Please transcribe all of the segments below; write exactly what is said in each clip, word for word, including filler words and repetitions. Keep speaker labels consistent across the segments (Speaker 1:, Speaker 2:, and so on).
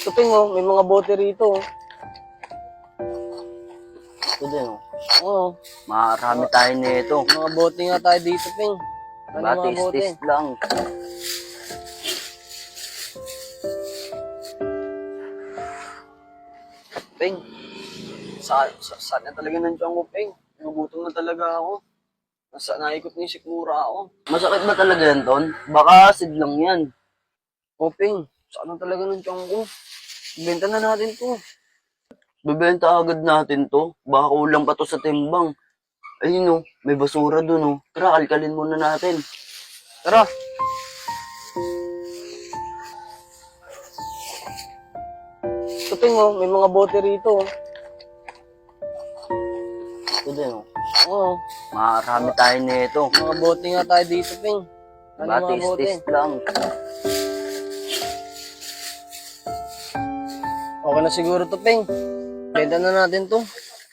Speaker 1: Tuping oh, may mga bote rito. Oh.
Speaker 2: Ito din, oh.
Speaker 1: Oo.
Speaker 2: Marami tayo nito.
Speaker 1: Mga bote nga tayo dito, Ping. Ano mga bote?
Speaker 2: Batis-tis lang.
Speaker 1: Ping, sa, sa, saan na talaga nandiyan ko, Ping? Nagugutom na talaga ako. Nasa naikot ni sikmura ako.
Speaker 2: Masakit ba talaga yan, Ton? Baka acid lang yan.
Speaker 1: O, Ping, saan na talaga nandiyan ko? Benta na natin to.
Speaker 2: Bebenta agad natin to. Baka kulang pa to sa timbang. Ayun, oh. May basura dun, oh. Tara, kalkalin muna natin.
Speaker 1: Tara. Tuping oh, may mga bote rito. Oh.
Speaker 2: Ito din, oh.
Speaker 1: Oo.
Speaker 2: Marami tayo nito.
Speaker 1: Mga bote nga tayo dito, Ping. Ano mga bote?
Speaker 2: Batis-tis lang.
Speaker 1: Okay na siguro to, Ping. Benta na natin to.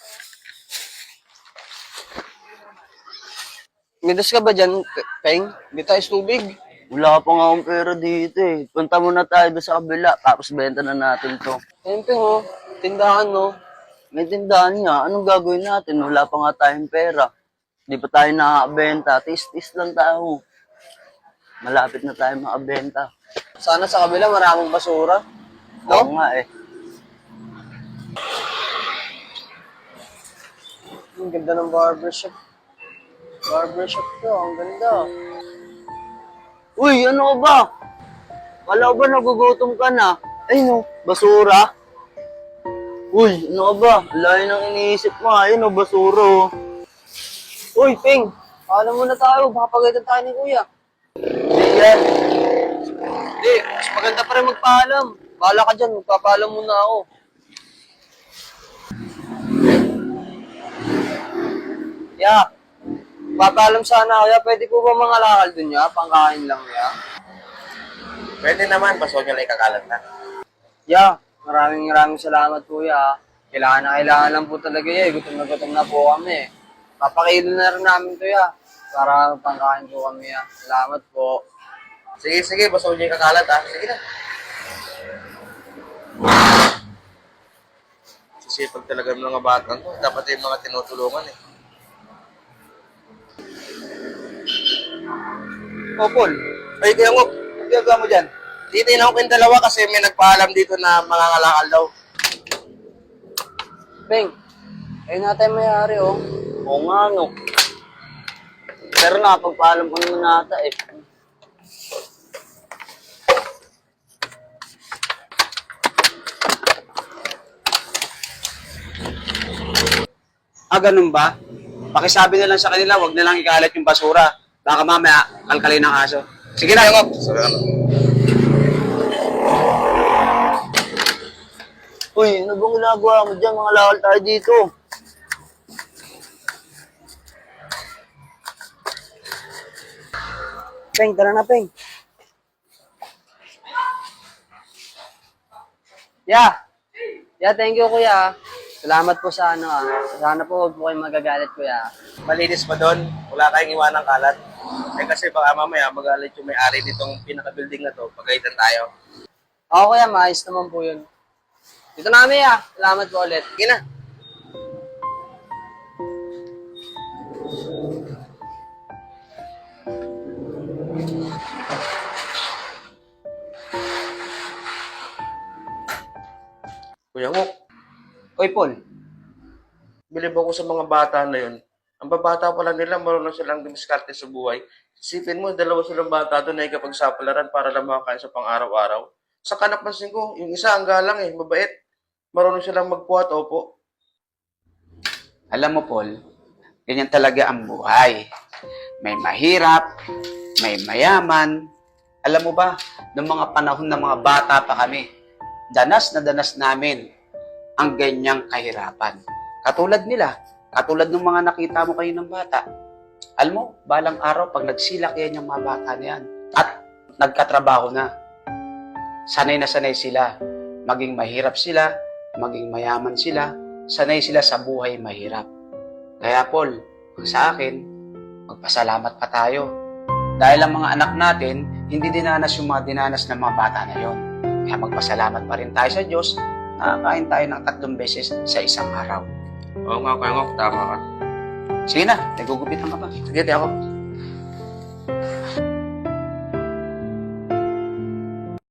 Speaker 1: Midas ka ba dyan, Peng? Di tayo tubig.
Speaker 2: Wala pa nga akong pera dito, eh. Punta muna tayo doon sa kabila. Tapos benta na natin to.
Speaker 1: Ayun, Peng, oh. Tindahan, no?
Speaker 2: May tindahan nga. Anong gagawin natin? Wala pa nga tayong pera. Di pa tayo nakakabenta. Tis-tis lang tayo. Malapit na tayo makabenta.
Speaker 1: Sana sa kabila maraming basura. No?
Speaker 2: Oo nga, eh.
Speaker 1: Ang ganda ng barbershop. Barbershop to, ang ganda.
Speaker 2: Uy, ano ba? Kala ko ba nagugutom ka na? Ay no, basura. Uy, ano ba? Layo nang iniisip mo. Ayun, no, basura. Oh.
Speaker 1: Uy, Ping! Paalam muna tayo, baka pagalitan tayo ni Kuya.
Speaker 2: Hindi yan.
Speaker 1: Hindi, mas maganda pa rin magpaalam. Bahala ka dyan, magpapaalam muna ako. Ya, papaalam sana ako. Ya, pwede po ba mga lakal dun ya? Pangkain lang ya.
Speaker 3: Pwede naman, paso nyo lang kakalat na.
Speaker 1: Ya, maraming maraming salamat Kuya. Kailangan na kailangan lang po talaga ya. Gutom na gutom na po kami. Papakilo na rin namin to ya. Para pangkain po kami ya. Salamat po.
Speaker 3: Sige, sige, paso nyo kakalat ha. Sige na. Sisipag talaga ng mga batang to. Dapat yung mga tinutulungan eh.
Speaker 1: O, Paul.
Speaker 3: Ay, kaya mo, ang gagawa mo dyan? Titignan ko kayong dalawa kasi may nagpaalam dito na mga ngalakal daw.
Speaker 1: Peng, ayun na tayo mayari oh.
Speaker 2: Oo nga, no. Pero nakapagpaalam ko naman nata, eh.
Speaker 4: Ah, ganun ba? Pakisabi na lang sa kanila, wag na lang ikalat yung basura. Baka mamaya, kalkalin ng aso. Sige na, yung
Speaker 3: Sorry, ano?
Speaker 2: Uy, ano bang ginagawa mo dyan? Mga lakal tayo dito.
Speaker 1: Peng, tara na Peng. Ya. Ya, thank you Kuya. Salamat po sa ano ah. Sana po huwag po kayong magagalit Kuya.
Speaker 3: Malinis ba doon? Wala kayong iwanang kalat? Eh kasi baka mamaya magalit yung may-ari nitong pinaka-building na to. Pagalitan tayo.
Speaker 1: Oo Kuya, maayos naman po yun. Dito na kami ah. Salamat po ulit.
Speaker 3: Sige na. Kuya Ngok,
Speaker 4: Oy, Paul.
Speaker 3: bilib ako sa mga bata na yun. Ang babata pa lang nila, marunong silang dumiskarte sa buhay. Isipin mo, dalawa silang bata doon na ikapagsapalaran para lang makakain sa pang-araw-araw. Sa kanakpansin ko, yung isa ang galang eh, mabait. Marunong silang magpuhat, opo.
Speaker 4: Alam mo, Paul, ganyan talaga ang buhay. May mahirap, may mayaman. Alam mo ba, noong mga panahon ng mga bata pa kami, danas na danas namin ang ganyang kahirapan. Katulad nila, katulad ng mga nakita mo kayo ng bata. Alam mo, balang araw, pag nagsilak yan yung mga bata na yan, at nagkatrabaho na, sanay na sanay sila. Maging mahirap sila, maging mayaman sila, sanay sila sa buhay mahirap. Kaya Paul, sa akin, magpasalamat pa tayo. Dahil ang mga anak natin, hindi dinanas yung mga dinanas ng mga bata na yon. Kaya magpasalamat pa rin tayo sa Diyos na kain tayo ng tatlong beses sa isang araw.
Speaker 3: Oo nga, Kuya Ngok, tama ka.
Speaker 4: Sige na, nagugupitan ka ba?
Speaker 3: Sige, di ako.